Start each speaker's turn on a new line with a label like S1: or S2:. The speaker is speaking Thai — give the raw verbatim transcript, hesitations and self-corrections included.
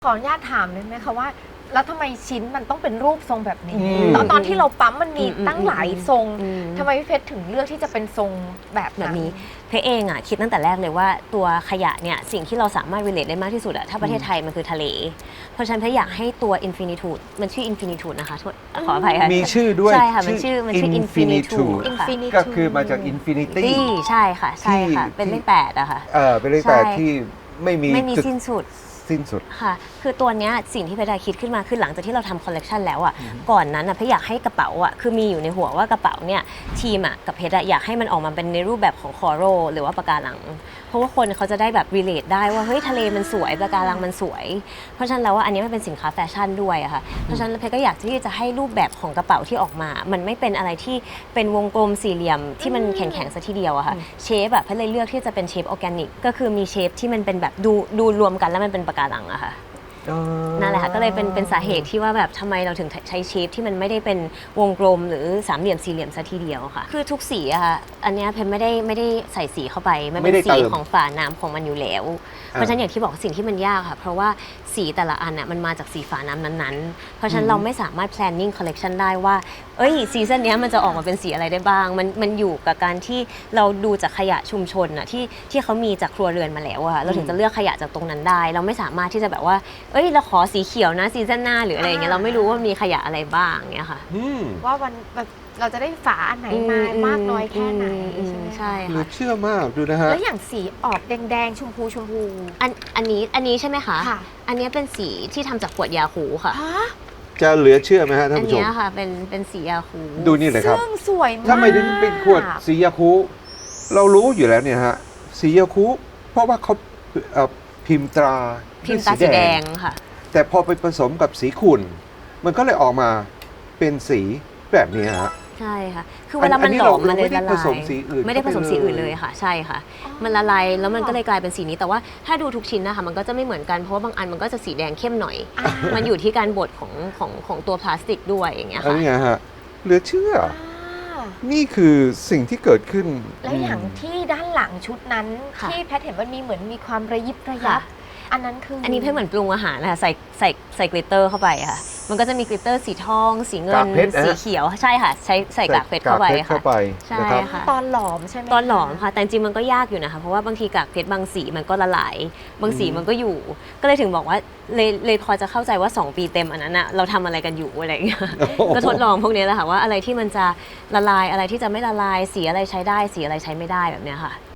S1: ขออนุญาตถามได้ไหมคะว่าแล้วทำไมชิ้นมันต้องเป็นรูปทรงแบบนี้ตอนตอนที่เราปั๊มมันมีตั้งหลายทรงทำไมพี่เพชรถึงเลือกที่จะเป็นทรงแบบแบบนี้
S2: เพชรเองอ่ะคิดตั้งแต่แรกเลยว่าตัวขยะเนี่ยสิ่งที่เราสามารถ relate ได้มากที่สุดอะถ้าประเทศไทยมันคือทะเลเพราะฉะนั้นเพชรอยากให้ตัว infinitude มันชื่อ infinitude นะคะขออภัยค่ะ
S3: มีชื่อด้วย
S2: ใช่ค่ะมันชื่อมันชื่อ infinitude
S3: ก็คือมาจาก infinity
S2: ใช่ค่ะใช่ค่ะเป็นเลขแปดอะค่ะ
S3: เออเป็นเลขแปดที่ไม่มี
S2: ไม่มีสิ้นสุด
S3: สิ้นสุด
S2: ค่ะคือตัวเนี้ยสิ่งที่เพชรคิดขึ้นมาคือหลังจากที่เราทำคอลเลกชันแล้วอ่ะก่อนนั้นอ่ะเพชรอยากให้กระเป๋าอ่ะคือมีอยู่ในหัวว่ากระเป๋าเนี่ยทีมอ่ะกับเพชรอยากให้มันออกมาเป็นในรูปแบบของคอโรหรือว่าปะการังเพราะว่าคนเขาจะได้แบบรีเลทได้ว่าเฮ้ยทะเลมันสวยปะการังมันสวยเพราะฉะนั้นแล้วว่าอันนี้มันเป็นสินค้าแฟชั่นด้วยอะค่ะเพราะฉะนั้นเพชรก็อยากที่จะให้รูปแบบของกระเป๋าที่ออกมามันไม่เป็นอะไรที่เป็นวงกลมสี่เหลี่ยมที่มันแข็งๆซะทีเดียวอะค่ะเชฟแบบเพชรเลยเลือกที่จะเป็นเชฟออร์แกนิกก็คือมีเชฟที่มันเป็นแบบดูดูรวมกันแล้วมันเป็นปะการังอะค่ะนั่นแหละค่ะก็เลยเป็นเป็นสาเหตุที่ว่าแบบทำไมเราถึงใช้เชฟที่มันไม่ได้เป็นวงกลมหรือสามเหลี่ยมสี่เหลี่ยมซะทีเดียวค่ะคือทุกสีอะค่ะอันนี้เพนไม่ได้ไม่ได้ใส่สีเข้าไปมันเป็นสีของฝาน้ำของมันอยู่แล้วเพราะฉะนั้นอย่างที่บอกสิ่งที่มันยากค่ะเพราะว่าสีแต่ละอันน่ะมันมาจากสีฝาน้ำนั้นๆเพราะฉะนั้นเราไม่สามารถ planning collection ได้ว่าเอ้ยซีซั่นนี้มันจะออกมาเป็นสีอะไรได้บ้างมันมันอยู่กับการที่เราดูจากขยะชุมชนน่ะที่ที่เขามีจากครัวเรือนมาแล้วอะเราถึงจะเลือกขยะจากตรงนั้นได้เราไม่สามารถที่จะแบบว่าเอ้ยเราขอสีเขียวนะซีซั่นหน้าหรืออะไรอย่างเงี้ยเราไม่รู้ว่ามีขยะอะไรบ้างเงี้ยค่ะ
S1: ว่าวันเราจะได้ฝาอันไหนมามากน้อยแค่ไหนใช่ไหม
S2: ใช่
S3: ค่ะเชื่อมากดูนะ
S1: ฮะแล้วอย่างสีออกแดงๆชมพูชมพู
S2: อันอันนี้อันนี้ใช่ไหมคะค่ะอันนี้เป็นสีที่ทำจากขวดยาคูค่ะ
S3: จะเหลือเชื่อไหมฮะท่านผู้ชม
S2: อันนี้ค่ะเป็นเป็นสียาคู
S3: ดูนี่เลยครับ
S1: ซึ่งสวยมาก
S3: ถ้าไม่ถึงเป็นขวดสียาคูเรารู้อยู่แล้วเนี่ยฮะสียาคูเพราะว่าเขาพิมพ์ตรา
S2: พิมพ์ตราสีแดงค่ะ
S3: แต่พอไปผสมกับสีขุ่นมันก็เลยออกมาเป็นสีแบบนี้ฮะ
S2: ใช่ค่ะคือเวลามันหลอมมันเลยละลายไม่ได้ผสม
S3: สีอื่น
S2: ไม่ได้ผสมสีอื่นเลยค่ะใช่ค่ะมันละลายแล้วมันก็เลยกลายเป็นสีนี้แต่ว่าถ้าดูทุกชิ้นนะคะมันก็จะไม่เหมือนกันเพราะว่าบางอันมันก็จะสีแดงเข้มหน่อยมันอยู่ที่การบดของของของตัวพลาสติกด้วยอย่างเงี้ยค่ะ
S3: นี่ฮะเหลือเชื่อนี่คือสิ่งที่เกิดขึ้น
S1: แล้วอย่างที่ด้านหลังชุดนั้นที่แพทเห็นว่ามีเหมือนมีความระยิบระยับอันนั้นคือ
S2: อันนี้เพื่อเหมือนปรุงอาหารนะคะใส่ใส่ใส่กลิตเตอร์เข้าไปค่ะมันก็จะมีกลิตเตอร์สีทองสีเงินสีเขียวใช่ค่ะใช้ใส่กากเพชรเข้าไปค่ะ
S3: ใช่
S2: ค่ะ
S1: ตอนหลอมใช่ไหม
S2: ตอนหลอมค่ะแต่จริงมันก็ยากอยู่นะคะเพราะว่าบางทีกากเพชรบางสีมันก็ละลายบางสีมันก็อยู่ก็เลยถึงบอกว่าเลยเลยพอจะเข้าใจว่าสองปีเต็มอันนั้นอะเราทำอะไรกันอยู่อะไรอย่างเงี้ยก็ทดลองพวกนี้แหละค่ะว่าอะไรที่มันจะละลายอะไรที่จะไม่ละลายสีอะไรใช้ได้สีอะไรใช้ไม่ได้แบบเนี้ยค่ะ